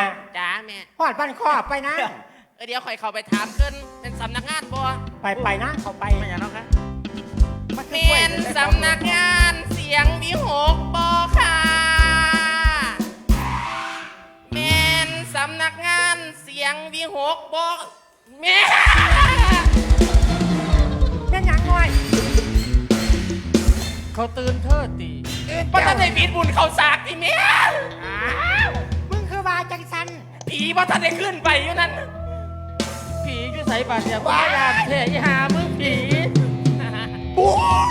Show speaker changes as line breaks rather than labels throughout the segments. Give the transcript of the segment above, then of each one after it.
จ้าแม่
หอดบ้านครอบไปนะ
เดี๋ยวคอยเข้าไปถามขึ้นเป็นสำนักงานบ่
ไปนะเขาไป
ไม่อย่างนั้นครับ
เป็นสำนักงานเสียงวิหกบ่ค่ะเป็นสำนักงานเสียงวิหกบ่แม่
เป็นยังไง
เขาตื่นเทิดตี
ป้าท่านได้บิดบุญเขาสากอีแม่
มึงคือว่าจังสัน
ผีป้าท่านได้ขึ้นไปอยู่นั่น
ผีอยู่ใส่บาดเนี่ยบ้ายาเทยหามึงผี
ปุ๊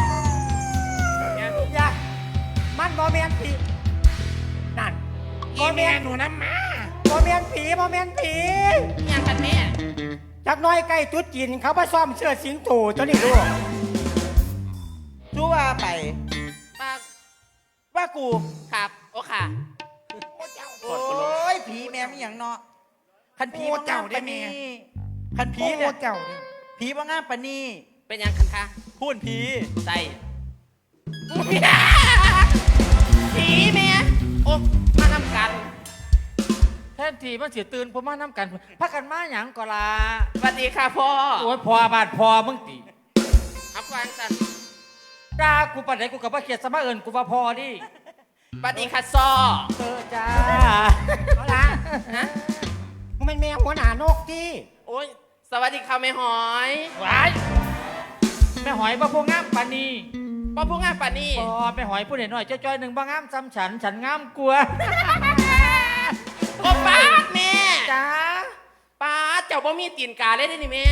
อย่ามันบอเมียนผีนั่น
บอเมียนหนูน้ำมา
บอเมียนผี
ยังกันแม่
จักน้อยใกล้ตุ๊ดจีนเขาไปซ่อมเสื้อสิงโตตัวนี้ดู
รู้ว่าไป
ป้า
ว่ากู
ครับโอ้ค่ะ
โอ้ยผีแม่ไม่อย่างเนาะคันผีว่าเจ้าได้แม่คันผีเนี่ย
เจ้า
ผีว่างามปะนี่
เป็นยังคันคะ
พูดผี
ใส่ผีแม่โอ้มาทำกัน
แทนทีมันเสียตื่นผมมาน้ำกันพักกันมาหยังก็ลา
สวัสดีค่ะพ่อ
โอ้ยพอบาดพอมึงตี
อับฟังสัน
ด่ากูปัดไหนกูกับว่าเขียดสมาเอิญกูว่าพอดิ
สวัสดีค่ะซอ
จ้า
เอาละฮะมึงเป็นแมวหัวหน้านกที่
โอ้ยสวัสดีค่ะแม่หอย
ว้ายแม่หอยบ่พวกงามปานี
ป้าพูดง่ายป่ะนี่
บ่แม่หอยพูดหน่อยจ้อยๆหนึ่งบ่งามซ้ำฉันงามกลัว
โอ้ป้าแม่
จ้า
ป้าเจ้าบ่มีตีนกาเลยได้นี่แม่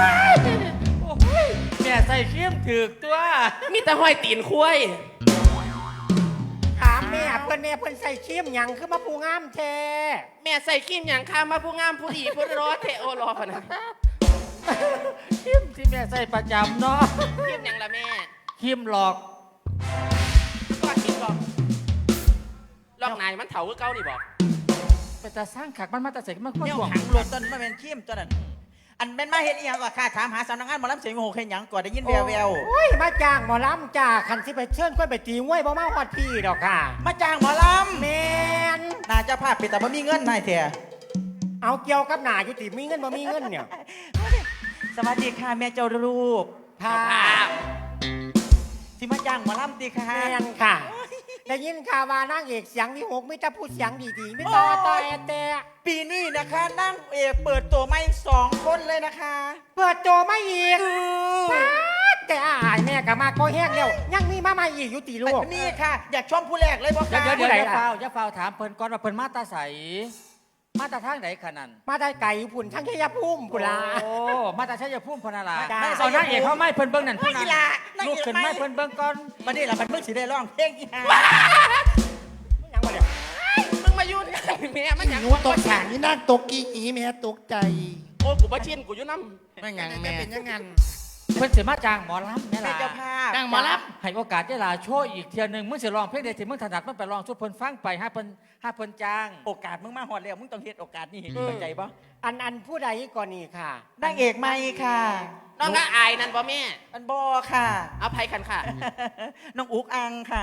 แม่ใส่เขี้ยมถือตัว
มีแต่ห้อยตีนคุ้ย
ถามแม่เพิ่นใส่เขี้ยมหยังคือมาปูงามแท้
แม่ใส่ขี้มหยังข้ามาผู้งามผู้ดีผู้รอดเทโอรอพนะ
เขี้ยมที่แม่ใส่ประจำเนาะ
ขี้มหยังละแม่
ขี้มหลอก
ก็ขี้มหลอกนายมันเถาคือเก้านี่บอก
ไปแต่สร้างขักมันมาแต่เสกมัน
เนี่ยหังรถต้นมาเป็นขี้มตัวนั้นอันเป็นมาเห็นอีหยังก็ข้าถามหาสำนักงานหมอลำเสียงโหเห็นหยังก่อนได้ยินแวว
โอ้ยมาจ้างหมอลำจ้าคันสิไปเชิญก้อยไปตีงวยบ่มาฮอดพี่ดอกค่ะ
มาจ้างหมอลำ
แมน
น่าจะพาไปแต่บ่มีเงินนายเถอะ
เอาเกี่ยวกับหนาอยู่ติมีเงินบ่มีเงินเนี่ย
สวัสดีค่ะแม่เจ้ารูป
ภาพ
ที่มาจ้างหมอลำตีค่ะ
แมนค่ะได้ยินข่าวว่านางเอกเสียงวิหกไม่จะพูดเสียงดีๆไม่ต่อแต่
ปีนี้นะคะนางเอกเปิดตัวไม่2 คนเลยนะคะ
เปิดตัวไม่อีกแต่อายแม่กับมาก็แห้งแล้วยังมีมาใหม่อีกอยู่ตีลูก
นี่ค่ะอยากชมผู้แรกเลยบอกค่ะ
เดี๋ยวอย่าเฝ้าถามเพิ่นก่อนว่าเพิ่นมาตาใสมาตาทางไหนขนาด
มาได้ไก่ผุ่นทั้งชัยภูมิกุลา
โอ้มาตาชัยภูมิพนาลาเอานางเอกเขาไม่เพิ่นเบิ้งนั่น
พี่นา
ลูกขึ้นไม่เพิ่นเบิ้งก่อน
มานี่ละมันเพิ่งสิได้ร้องเพลงอีห่า
ยังมาเดี๋ยว
มึงมายุ่งแม่มันอย่าง
นู้ตกฉากนี่นั่งตกกี่อีแม่ตกใจ
โอ้กูบ้าชินกูยุ่งน้ำ
ไม่งั้นแม่
เป็นยังไง
เพิ่นเสียมาจ้างหมอลำแม่ล่ะ
เจ้าภาพ
จ้างหมอลำให้โอกาสได้ลาโชว์อีกเทียนึงมึงสิร้องเพลงใดที่มึงถนัดมึงไปร้องช่วยเพิ่นฟังไปให้เพิ่นจ้าง
โอกาสมึงมาฮอดแล้วมึงต้องเฮ็ดโอกาสนี่เข้าใจบ่
อันผู้ใดก่อนนี่ค่ะ
นางเอกใหม่ค่ะ
น้องก็อายนั่นบ่แม่
อันบ่ค่ะ
เอาไผคันค่ะ
น้องอุกอังค่ะ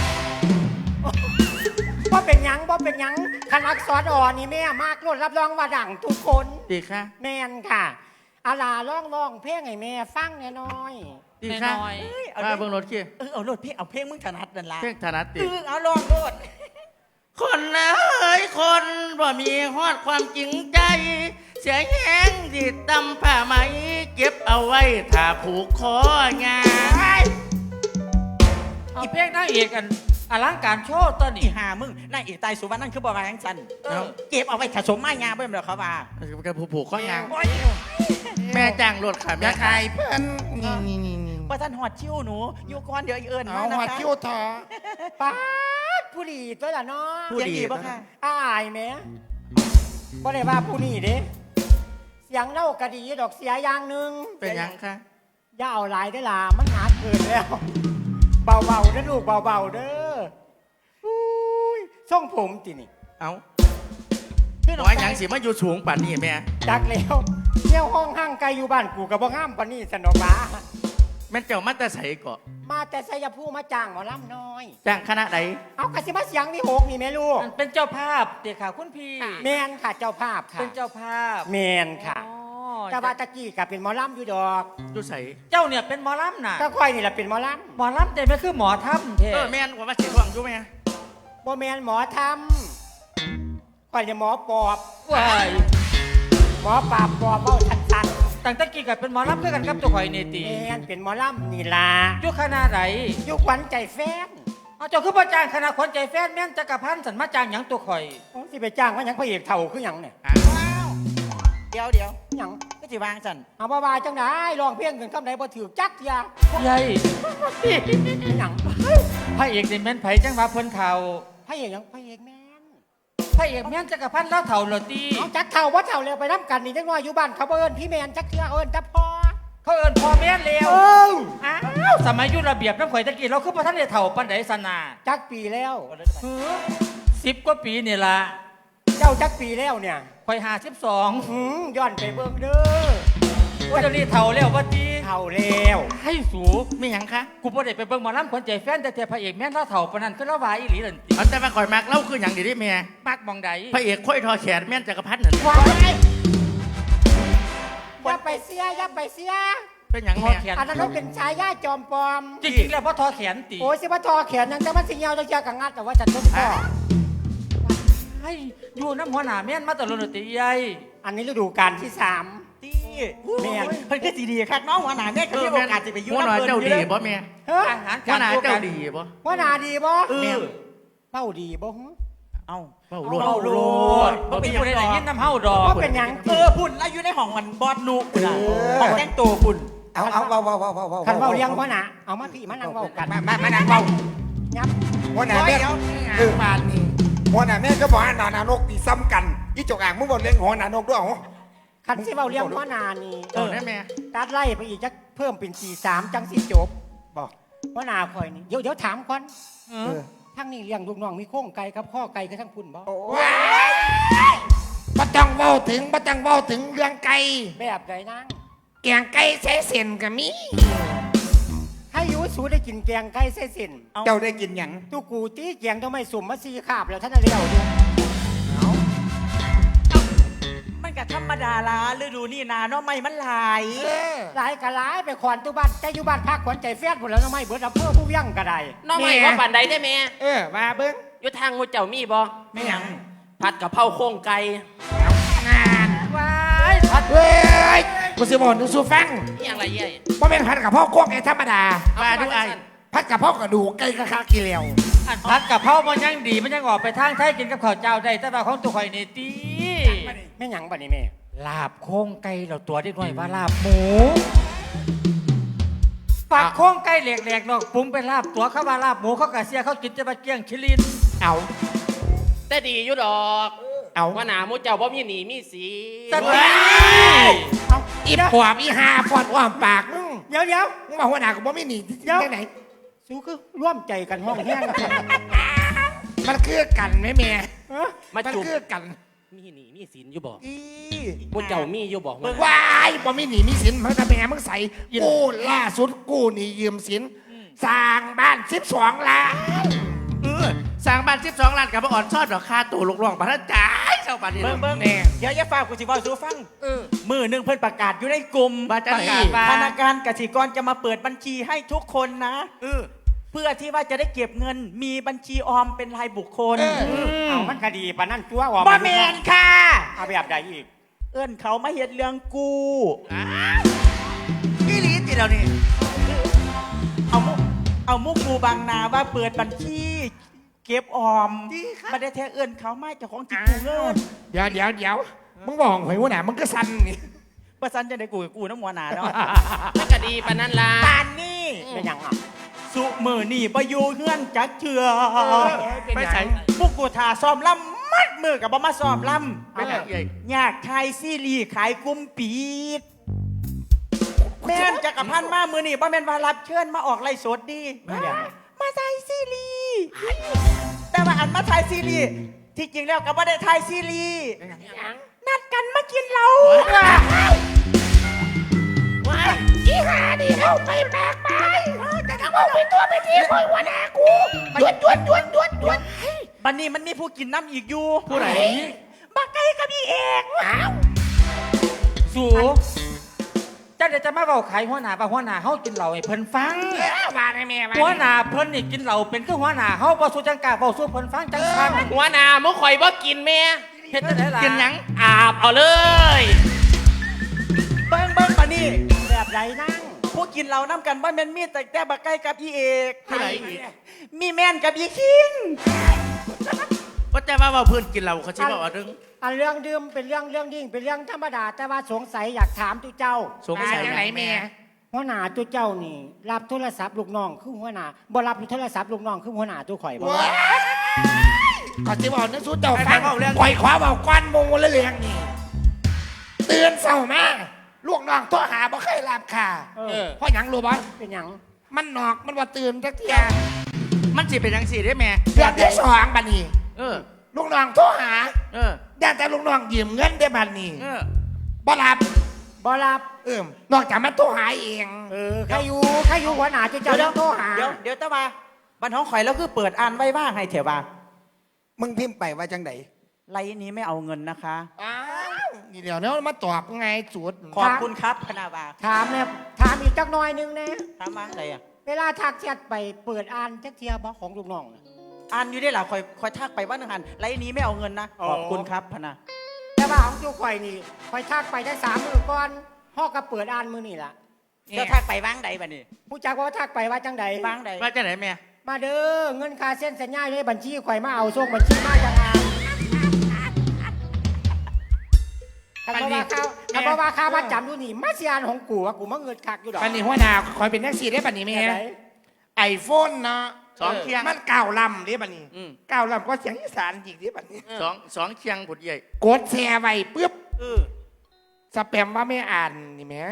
ว่าเป็นยังคันอักษรอ่อนนี่แม่มากรดรับรองว่าดังทุกคน
ดีค่ะ
แม่นค่ะอาลาร้องเพลงให้แม่ฟังน้อย
ดีค่ะมาเบิ่งรถขี้
เอารถเพลงเอาเพลงมึงถนัดนั่นล่ะ
เพลงถนัดติ
เอาลองโลด
คนเอ้ยคนบ่มีฮอดความจริงใจเสียแห้งที่ตำผ้าไหมเก็บเอาไว้ถ้าผูกคองานอีเพลงนางเอกกันอลังการโชว์ตอนนี้
หามึงนางเอกตายสุวรรณนั่นคือบ่มาทั้งสันเก็บเอาไว้ถ้าสมมายาเบิ่มแล้วเขาว่า
การผูกข้อยางแม่จ้างรถค่ะแม่
ขายเพิ่นนี่
ว่าท่านหอดชิวหนูอยู่ก่อนเดี๋ยวเอิญ
มานะคะหอดชิวถอป้าผู้ดีตัวละเนาะ
ผู้ดีป่ะค่ะ
อายแม่บ่ได้ว่าผู้นี้เด้เสียงเล่ากะดีดอกเสียอย่างนึง
เป็นยังคะ
อย่าเอาหลายได้ล่ะมันหาเกินแล้วเบาๆเด้อลูกเบาๆเด้ออุ้ยส่งผมตินี่
เอาพี่น้อยยังสิมาอยู่สูงป่านนี้แม่
จักแล้วเที่ยวห้องห้างไกลอยู่บ้านกูกับบ่ห้ามป่านนี้สนอกบ้า
แม่นเจ้ามาแต่ใสเกาะ
มาแต่ชัยภูมิมาจ้างหมอลำน้อย
จ้างคณะใด
เอากระสิมาเสียงนี่หกนี่แม่ลูก
เป็นเจ้าภาพเด็กค่ะคุณพี่
แมนค่ะเจ้าภาพค่ะ
เป็นเจ้าภาพ
แมนค่ะ
อ๋อ
แต่ว่าตะกี้กับเป็นหมอลำอยู่ดอก
ดูใส
เจ้าเนี่ยเป็นหมอลำน่ะ
ก็ค่อยนี่แหละเป็นหมอล
หมอลำแต่ไม่คือหมอถ้ำเท่
แม่นว่ามาเสียท่วงอยู่ไหม
ำบ่แมนหมอทำค่อยจะหมอปอบ
ว้าย
หมอปราบปอบเบ้าชัด
ตั้งแต่กี้กับเป็นหมอลำเพื่อกันกับตัวข่อยนี่
ๆ
ตี
แมนเป็นหมอลำนี่ล่ะ
ยุคณะไหน
อยุคขวัญใจแฟน
เอาเจ้าคือประจางคณะขวัญใจแฟนแม่นจักรพันธ์สันมาจางหยังตัวข่อย
ผมสิไปจ้างว่าหยังพระเอกเท่าคือหยังเนี่ย
เดี๋ยว
หยัง
ก็สิวางสัน
เอาบ่าวาจังไดร้องเพลงกันคำไหนบ่ถือจักเทีย
ใหญ่
หยัง
พระเอกนี่แม่นไผจังว่าเพิ่นเฒ่า
พระเอกหยังพระเอกแม่น
พระเอกแม่นจักรพันธ์แล้วเฒ่าเหรอตี
เอาจักเท่าว่าเท่าแล้วไปน้ำกันนี่จังน้อยอยู่บ้านเขาบ่เอิ้นพี่แมนจักเทียเอิ้นจับพ่อ
เขาเอิ้นพ่อแม่นแล้ว
เออ
อ้าวสมัยอยุระเบียบน้ำข่อยตะกี้เราคือพระท่านได้เฒ่าปันไดสนา
จักปีแล้ว
10 กว่าปีนี่ล่ะ
เจ้าจักปีแล้วเนี่ย
ข่อย52
ย้อนไปเบิ่งเด้อ
ว่าเดี๋ยวนี้เฒ่าแล้วว่าตี
เท่าแล้ว
ให้สู
ไม่หยังคะ
กูบ่ได้ไปเบิ่งหมอลำขวัญใจแฟนแต่พระเอกแม่นเราเฒ่าปานนั้นคือเราว่าอีหลีนั่นติ
เอาแต่มาข่อยมากเล่าคือหยังดีดิแม่
มักมองใด
พระเอกค่อยทอแขนแม่นจักรพันธ์นั่น
อย่าไปเสียอย่าไปเสีย
เป็นหยัง
ทอ
แม่
แขน
อันนั้นเขาเป็นชายาจอมปลอม
จริงๆแล้วบ่ทอแขนติ
โอ้ยสิว่าทอแขนยังแต่มันสิเหี่ยวจะเจียกังัดแต่ว่าจัดทุกข้อ
ให้อยู่น้ำหัวหน้าแม่นมาตลอดติใหญ่
อันนี้ฤดูกาลที่3
ตี
แม่น
เพิ่นคือสีดีครับน้องหัวหน้าแม่ก็มีโอกาสจะไปอยุ่
หัวหน้า
น้ำเพิ่น
เจ้า
อยู่
ดี
เลย
บ่แม่
เฮ้ย
อาหาร
หัวหน้าเจ้าดีบ่
ว่าหนาดีบ่
แม่
เป้าดีบ่หึ
เอ้า
เป้าโลด
เฮาโลดบ่มีผู้ใดได้ยินน้ำเฮาดอก
ว่าเป็นหยัง
พุ่นแล้วอยู่ในห้องมันบอดนุพุ่นน่ะห้องแต่งตัวพุ่น
เอาเบา
คันเว้าเลี้ยงว่าหนาเอามาพี่มานั่งเว้ากัน
มานั่งเบา
ยับ
หัวหน้าแม่บานนี่หัวหน้าแม่ก็บอกหน้านกตีซ้ำกันอีจกอ่างมึงบอกเลี้ยงหัวหน้านกด้วยเหรอ
คันสิเว้าเลี้ยงว่าหนานี่
เออแม่
ตัดไล่ไปอีกจักเพิ่มเป็น43จังสิจบบอกว่าหนาคอยนี่เดี๋ยวถามก่อนทั้งนี้เลี้ยงลูกน้องมีโค้งไก่กับข้อไก่กับทั้งพุ่นบ่
ว้ายบ่ต้องเว้าถึงเรื่องไก่
แบบใดนาง
แกงไก่ใส่เส้นก็มี
ให้อยูสูได้กินแกงไก่เส้นสิน
เจ้าได้กินหยัง
ตูกูตีแกงทำไมสุ่มมา4คาบแล้วท่านน่ะเลี้ยวดู
มันก็ธรรมดาละฤดูนี่นาเนาะไม่มันหลาย
หลายกะหลายไปขวานตุบ้านใจอยู่บ้านพักขวัญใจแฟนพุ่นแล้วทำไมเบิดอำเภอผู้ยั่งก็ได้
น้องใหม่ว่าปานใดได้แม่
มาเบิ้ง
อยู่ทางงูเจ้ามีบ่
ไม่หยัง
ผัดกะเพราโครงไก่
งาน
ว้ายพัด
เว้ยกูสิบอกดูสูฟัง
นี่อย่างไรเย่ย
บ่เป็นผัดกับพ่อกวงไอ้ธรรมดา
มาดูไอ้
ผัดกับพ่อกระดูกไก่กะคากิเลว
อันพัดกับเผามันยังดีมันยังออกไปทางไทยกินกับข้าวเจ้าได้แต่ว่าของตัวข่อยนี่ติ
แม่หยังบัดนี้แม่
ลาบโค้งไก่เราตัวเด็กน้อยว่าลาบหมูปากโค้งไก่แหลกๆเนาะปรุงเป็นลาบตัวเขาว่าลาบหมูเขากะเสียเขากินจะมาเกี้ยงชิลิน
เอา
แต่ดีอยู่ดอก
เอา
ว่าหนามูเจ้าบ่มีหนีมีสี
สติ
เอา
อีปอบอีหาปอดอ้อมปากมึง
เดี๋ยว
มึงมาหัวหน้ากูบ่ไม่หนีที่ไหน
สู้คือร่วมใจกันห้องแห้งกัน
มันคือกันไหมแม่
มา
มัน
จุ่ม
คือกัน
มีหนีมีสินอยู่บ่
อี
มูเจ้ามีอยู่บ่
วายบ่มีหนีมีสินมันจะเป็นไงมึงใส่กูล่าสุดกูนี่ยืมสินสร้างบ้าน12 ล้าน
สร้างบ้าน12 ล้านกับบ่อ่อนซอดดอกค่าตัวลูกน้องบ่ทันจ่ายเจ้าบ้านนี่
เบิ่ง
เนาะ
เบิ่งเดี๋ยวอย่าฝากกูสิเว้าสู่ฟัง มือหนึ่งเพิ่นประกาศอยู่ในกลุ่ม
ว่าจะ
ประ
ดี
กาศว่า
ธนาคารกสิกรจะมาเปิดบัญชีให้ทุกคนนะ เพื่อที่ว่าจะได้เก็บเงินมีบัญชีออมเป็นรายบุคคล
เอามันคดีปานนั่นตัวออก
บ่แมนค่ะ
เอาแบบใดอีก
เอื้อนเขามาเฮ็ดเรื่องกู
อีหลีติแล้วนี่
เอามุกกูบางนาว่าเปิดบัญชี เก็บออมไม่ได้แท้เอื้อนเขามาเจ้าของจิตกูเงิน
เดี๋ยวมึงบอกหอยหัวหน้ามึงก็สั่นนี่
ประสันจะได้กูน้ำหัวหนาเนาะ
มันก็ดีปานนั้นล่ะ
ปานนี่
เป็นหยังอ่ะ
สุมือนี่ประยูเฮือนจักเถื่อ
ไปใส่
พวกกูทาซ้อมลำมัดมือกับบ่มาซ้อมล
ไปไหนใหญ่
ำอยากขายซีรีส์ขายกุมปีดแม่นจักรพันธ์มามือนี่บ่แม่นว่ารับเชิญมาออกไล่สดดีมาถ่ายซีรีส์แต่ว่าอันมาถ่ายซีรีส์ที่จริงแล้วก็บ่ได้ถ่ายซีรีส์นัดกันมากินเหล้า
อีหาดิเข้าไปแบกไปจะต้องเอาไปตัวไปทีคอยหัวหน้ากูหยุด
บันนี้มันมีผู้กินน้ำอีกอยู่
ผู้ไหน
บักไก่กับพี่เอก
อ้าว
สูเจ้าเดี๋ยวจะมาเบาขายหัวหน้าว่าหัวหน้าเฮากินเหล้าให้เพิ่นฟัง
ว่าได้แม่ว่า
หัวหน้าเพิ่นนี่กินเหล้าเป็นคือหัวหน้าเฮาบ่สู้จังกล้าเว้าสู้เพิ่นฟังจังฟัง
หัวหน้ามุข่อยบ่กินแม่
เฮ็ดจังได๋ล่ะ
กินหยัง
อาบเอาเลย
เบิ้งบันนี้
แบบไรนั่ง
ผู้กินเราน้ำกันบ้านแม่นมีแต่บักไก่กับพี่เอก
ผู้ไหนอีก
มีแม่นกับพี่คิง
ก็จะว่าเพื่อนกินเราเขาชิบอกว่าเรื่อง
อันเรื่องดื่มเป็นเรื่องยิ่งเป็นเรื่องธรรมดา แต่ว่าสงสัยอยากถามตุเจ้า
สงสัย
จังไหนแม่
หัวหน้าตุเจ้านี่ รับโทรศัพท์ลูกน้องคือหัวหน้าบ่รับโทรศัพท์ลูกน้องคือหัวหน้าตุข่อยบ่
ขอสิบอกนะสู้เจ้าฟังคอยขวาบอกก้อนมงละเลียงนี่เตือนเศร้ามาลูกน้องตัวหาบ่เคยรับค่ะ
เออ
เพราะหยังรู้บ่
เป็นหยัง
มันนอกมันว่าตื่นจักเทีย
มันสิเป็นยังสี่ได้แม่
เดือนที่สองบัดนี้
เออ
ลูกน้องโทรหา
เออ
ได้แต่ลูกน้องยืมเงินได้บัดนี้
เออ
บ่รับ
บ่รับ
นอกจากมันโทรหาเอง
ใครอยู่หัวหน้าตุเจ้าต้องโทรหา
เดี๋ยวตะมาบันท้องข่อยแล้วคือเปิดอ่านไว้บ้างให้เถอะว่า
มึงพิมพ์ไปว่าจังได
ไลน์นี้ไม่เอาเงินนะคะ
อ้าวนี่เดี๋ยวนี้มาตอบไงจุด
ขอบคุณครับพนาวา
ถามเนี่ยถามอีกจักหน่อยหนึงนะ
ถามมาอะไรอ่ะ
เวลาทักแชทไปเปิดอ่านจักเทียบ่ของลูกน้องน่ะ
อ่านอยู่ได้หรอคอยทักไปว่าหนึ่งหันไลน์นี้ไม่เอาเงินนะ
อ๋อ
ขอบคุณครับพนา
แต่ว่าของตุข่อยนี่ข่อยทักไปได้3 มื้อก่อนพ่อก็เปิดอ่านมื้อนี่ล่ะ
เจ้าทักไปว่างใดบัดนี้
ผู้จักว่าทักไปว่าจังใด
ว่างใด
ว่าจะไหนแม่
มาเด้อเงินค่าเส้นสัญญาในบัญชีข่อยมาเอาส่งบัญชีมาจังอ่านถ้าบ่ว่าข้าวถ้าบ่ว่าข้าวมาจำอยู่นี่มาเสียอันของกูว่ากูมาเงินคักอยู่ดอก
บัดนี้หัวหน้าคอยเป็นแท็กซี่ได้บัดนี้แม่
จังใด
ไอโฟนเนาะ
สองเคียง
มันเก่าลำเด้บัดนี้
อืม
เก่าลำก็เสียงอีสานจริงเด้บัดนี้
สองเคียงผุดใหญ่
กดแชร์ไว้ปุ๊บ
เออ
สแปมว่าไม่อ่านนี่แหม่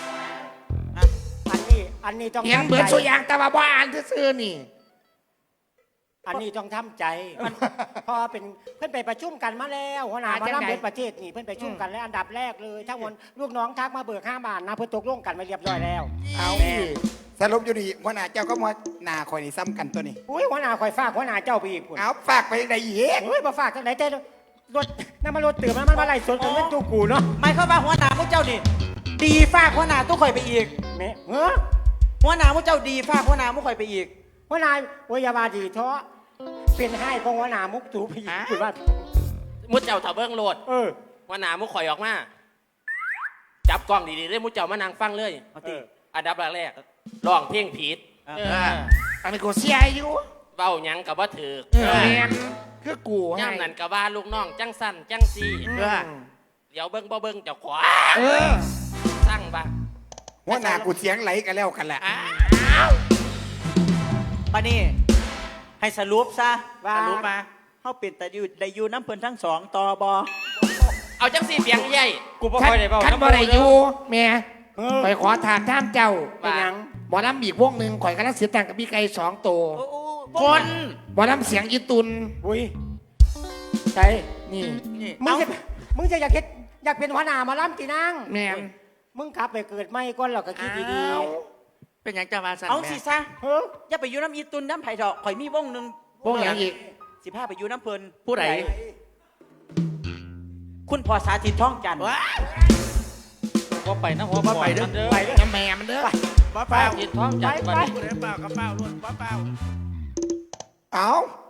อันนี้ต้อง
เห็น
ทำ
เบิด
ใจ
สุอยางแต่ว่าบ่อ่านซื่อๆนี่
อันนี้ต้องทำใจมันพอเป็นเพื่อนไปประชุมกันมาแล้วหัวหน้า
อ่า
มา
จัง
ล่ำ
ไหน
เบิดประเทศนี่เพื่อนไปประชุมกันแล้วอันดับแรกเลยทั้งหมดลูกน้องทักมาเบิก5 บาทนะเพื่อนตกลงกันไปเรียบร้อยแล้ว
เอา
แม่
สรุปอยู่นี่หัวหน้าเจ้าก็มาหน้าคอยนี่ซ้ำกันตัวนี้
อุ้ยหัวหน้าคอยฝากหัวหน้าเจ้าไปอีกพุ่น
เอาฝากไปยังไงอีก
เฮ้ยมาฝากจังไหนแต่รถน้ำมันรถตื่นมันมาไล่สวนกันเล่นจูกูเนาะ
ไม่เข้ามาหัวหน้าพวกเจ้านี่ดีฝากหัวหน้าตู้ข่อยไปอีก
แม่เฮ้อ
หัวหน้าพวกเจ้าดีฝากหัวหน้าพวกข่อยไปอีก
หัวหน้าโอยาบาดีเถาะเป็นให้ของหัวหน้ามุกตูไปอีกคือว่า
มุดเจ้าเถาเบิ้งโลด
เออ
หัวหน้ามุข่อยออกมา จับกล้องดีๆเลยมุดเจ้ามานั่งฟังเลย
เอาติ
อันดับแรกร้องเพลงผิด
เออ
อันนี้กูเสียอยู่
เว้าหยังกับว่าถือ
แม่นคือกูให้
ย่ำนั่นกับว่าลูกน้องจังสั้นจังซี่
เออ
เดี๋ยวเบิ้งบ่เบิ้งเจ้าขวา
เออ
สร้างบ้า
หัวหน้ากูเสียงไหลกันแล้วกันแหละ
ปานี่ให้สรุปซะ
ว่า
สรุปมาเขาเป็นแต่อยู่ได้อยู่น้ำเพิ่นทั้งสองต่อบอ
เอาจังซี่เปียงใหญ่
กูบ่ค่อยได้เว้า
คันบ่ได้อยู่แม่
เออ
ข่อยขอถามท่ามเจ้า
เป็นหยัง
หมอลำอีกวงหนึ่งข่อยกำลังเสียตังค์กับพี่ไก่2 ตัว
คน
หมอลำเสียงอีตุน
อุ้ยใช่
นี่
นี่
มึงจะอยากเป็นหัวหน้ามาล่ำตีนาง
แม่น
มึงขับไปเกิดไม่ก้อนเราก็คิดดี
อ้าว
เป็นหยังจะมาสั่น
เอา
แม่
สิซะ
ๆเฮ้ย
อย่าไปอยู่น้ำอีตุนน้ำไผ่ดอกข่อยมีวงหนึ่ง
วงหยังอีก
15ไปอยู่น้ำเพิ่น
ผู้ใด
คุณพ่อสาธิตท่องจันทร์
ว้า
บ่ไปนะหัว
บ่ไปเด้อ
เด้อ
ไปเด้อ
น้ำแม่มันเด้อ
ป้าเปล่า
กินท้องจัด
ไป
บัดนี้
ผู้ใดเปล่ากระเป๋ารถป้าเปล่า
เอา